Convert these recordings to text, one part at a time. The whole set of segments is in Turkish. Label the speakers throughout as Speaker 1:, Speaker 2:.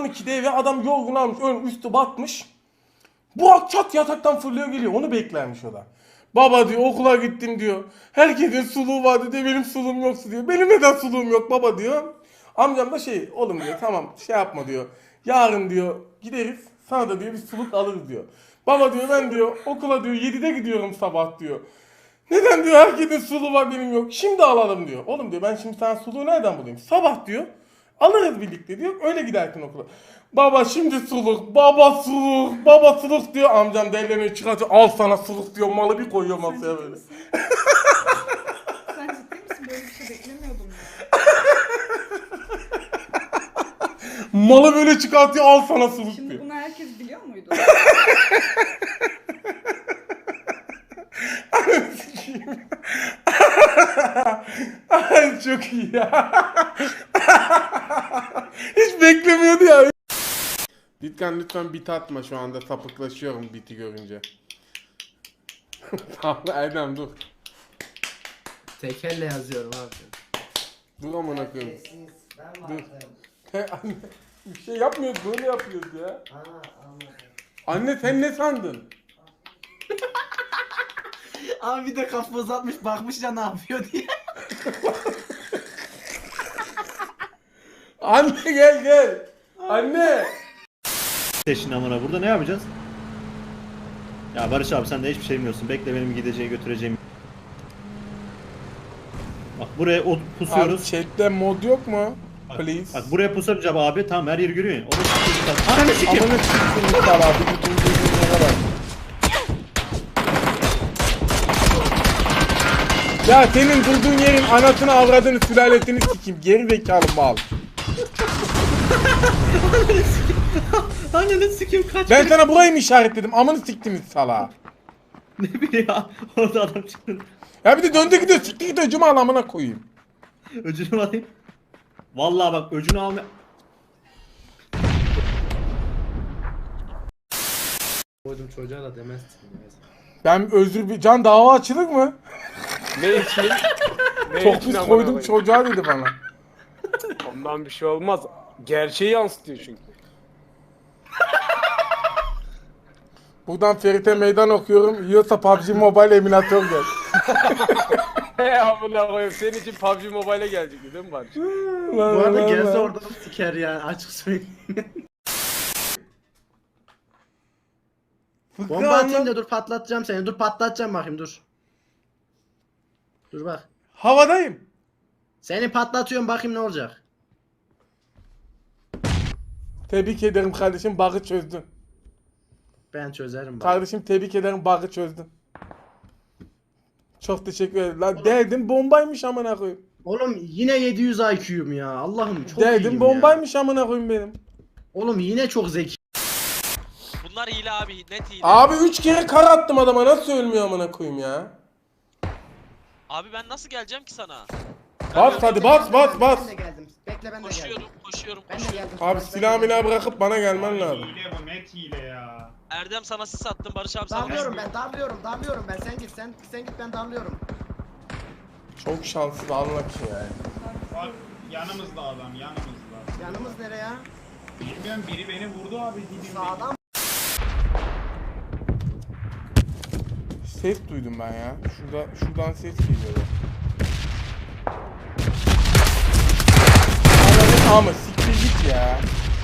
Speaker 1: 12'de eve adam yorgun almış, ön üstü batmış. Bu çat yataktan fırlıyor geliyor. Onu beklermiş o da. Baba diyor okula gittim diyor. Herkesin suluğu vardı diyor. Benim suluğum yoksa diyor. Benim neden suluğum yok baba diyor. Amcam da oğlum diyor tamam yapma diyor. Yarın diyor gideriz. Sana da diyor bir suluk alırız diyor. Baba diyor ben diyor okula diyor 7'de gidiyorum sabah diyor. Neden diyor herkesin suluğu var benim yok. Şimdi alalım diyor. Oğlum diyor ben şimdi sana suluğu nereden bulayım? Sabah diyor. Alırız birlikte diyor. Öyle gidersin okula. Baba şimdi suluk, baba suluk, baba suluk diyor. Amcam delilerini çıkartıyor. Al sana suluk diyor. Malı bir koyuyor masaya böyle.
Speaker 2: Sen ciddi misin? Böyle bir şey beklemiyordum ya.
Speaker 1: Malı böyle çıkartıyor. Al sana suluk
Speaker 2: Şimdi
Speaker 1: diyor.
Speaker 2: bunu herkes biliyor muydu?
Speaker 1: Ay çok iyi ya. Hiç beklemiyordu ya. Ditkan lütfen bit atma şu anda sapıklaşıyorum biti görünce. Tamam Erdem dur.
Speaker 3: Tekelle yazıyorum abi.
Speaker 1: Dur amına koyayım. Dur. Anne bir şey yapmıyoruz böyle yapıyoruz ya. Anne sen ne sandın?
Speaker 3: Abi bir de kafa uzatmış bakmış ya ne yapıyor diye.
Speaker 1: Anne gel. Anne.
Speaker 4: Şimdi amına burada ne yapacağız? Ya Barış abi sen de hiçbir şey bilmiyorsun. Bekle benim gideceği götüreceğim. Bak buraya
Speaker 1: Abi
Speaker 4: pusuyoruz.
Speaker 1: chatte mod yok mu? Please.
Speaker 4: Bak buraya pusacağım abi. Tamam her yeri görüyorsun. Onu ananı sikeyim.
Speaker 1: Amına sikeyim sal abi. Bütün dünyaya bak. Ya senin durduğun yerin anasını avradını sülalesini sikeyim. Geri zekalı mal.
Speaker 4: Ananı sikeyim kaç.
Speaker 1: Ben sana burayı mı işaretledim? Amını siktiniz sala.
Speaker 4: Ne bileyim ya. Orada adam çıktı.
Speaker 1: Ya bir de döndü gidiyor sikti gidiyor cuma amına koyayım.
Speaker 4: Öcünü alayım. Vallahi bak öcünü alma.
Speaker 3: Koydum çocuğa da demezsin.
Speaker 1: Ben özür bir can dava açılır mı?
Speaker 5: Ne için? Ne
Speaker 1: Çok
Speaker 5: için
Speaker 1: pis
Speaker 5: amına
Speaker 1: koydum
Speaker 5: koyayım?
Speaker 1: çocuğa dedi bana.
Speaker 5: Ondan bir şey olmaz. Gerçeği yansıtıyor çünkü.
Speaker 1: Buradan Ferit'e meydan okuyorum. Yiyorsa PUBG Mobile emülatör gel.
Speaker 5: He amına koyayım. Senin için PUBG Mobile'e gelecekti değil mi Barış?
Speaker 3: Bu arada gelse oradan siker yani açık söyleyeyim. Bomba atayım da dur patlatacağım seni. Dur patlatacağım bakayım dur. Dur bak.
Speaker 1: Havadayım.
Speaker 3: Seni patlatıyorum bakayım ne olacak.
Speaker 1: Tebrik ederim kardeşim bug'ı çözdün.
Speaker 3: Ben çözerim bak.
Speaker 1: Kardeşim tebrik ederim bug'ı çözdün. Çok teşekkür ederim. Lan derdim bombaymış amına koyayım.
Speaker 3: Oğlum yine 700 IQ'yum ya. Allah'ım çok
Speaker 1: Derdim
Speaker 3: iyiyim
Speaker 1: bombaymış amına koyayım benim.
Speaker 3: ya. Oğlum yine çok zeki.
Speaker 6: Bunlar hile abi, net hile.
Speaker 1: Abi 3 kere kar attım adama nasıl ölmüyor amına koyayım ya.
Speaker 6: Abi ben nasıl geleceğim ki sana?
Speaker 1: Bas hadi bas.
Speaker 3: Ben de geldim. Bekle ben de
Speaker 6: Koşuyorum,
Speaker 3: geldim.
Speaker 6: koşuyorum,
Speaker 3: Ben de
Speaker 6: koşuyorum.
Speaker 3: geldim.
Speaker 1: Abi silah milah bırakıp bana gelmen lazım.
Speaker 7: Hile bu net hile ya.
Speaker 6: Erdem sana sis attım, Barış abi sana
Speaker 3: Darlıyorum ben, darlıyorum ben. Sen git, sen git ben darlıyorum.
Speaker 1: Çok şanslı Allah ki yani.
Speaker 7: Bak yanımızda adam yanımızda.
Speaker 3: Yanımız nereye ya?
Speaker 7: Bilmiyorum biri beni vurdu abi dibimde.
Speaker 3: Sağdan.
Speaker 1: Ses duydum ben ya. Şuradan ses geliyor. Ama siktir git ya.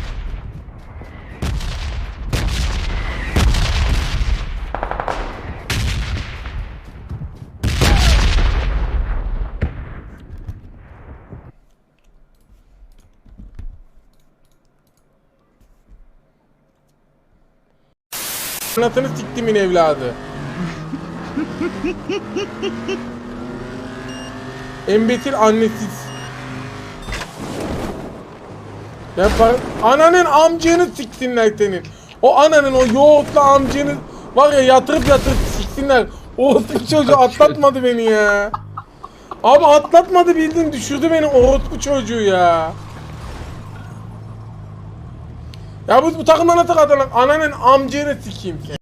Speaker 1: Anasını siktimin evladı. Embetil annesiz. Ben ananın amcanı siksinler senin. O ananın o yoğurtlu amcanı var ya yatırıp siksinler. O çocuğu atlatmadı beni ya. Abi atlatmadı bildin düşürdü beni orospu çocuğu ya. Ya bu takımdan atak atan ananın amcanı sikeyim sen.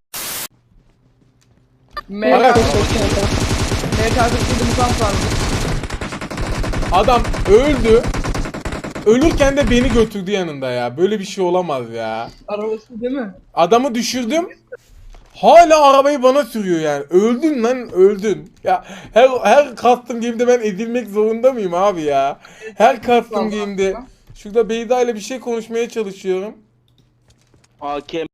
Speaker 2: MK47 mukam vardı.
Speaker 1: Adam öldü. Ölürken de beni götürdü yanında ya. Böyle bir şey olamaz ya.
Speaker 3: Arabası değil mi?
Speaker 1: Adamı düşürdüm. Hala arabayı bana sürüyor yani. Öldün lan öldün. Ya her custom game'de ben edilmek zorunda mıyım abi ya? Her custom game'de. Şurada Beyza ile bir şey konuşmaya çalışıyorum.
Speaker 8: Hakem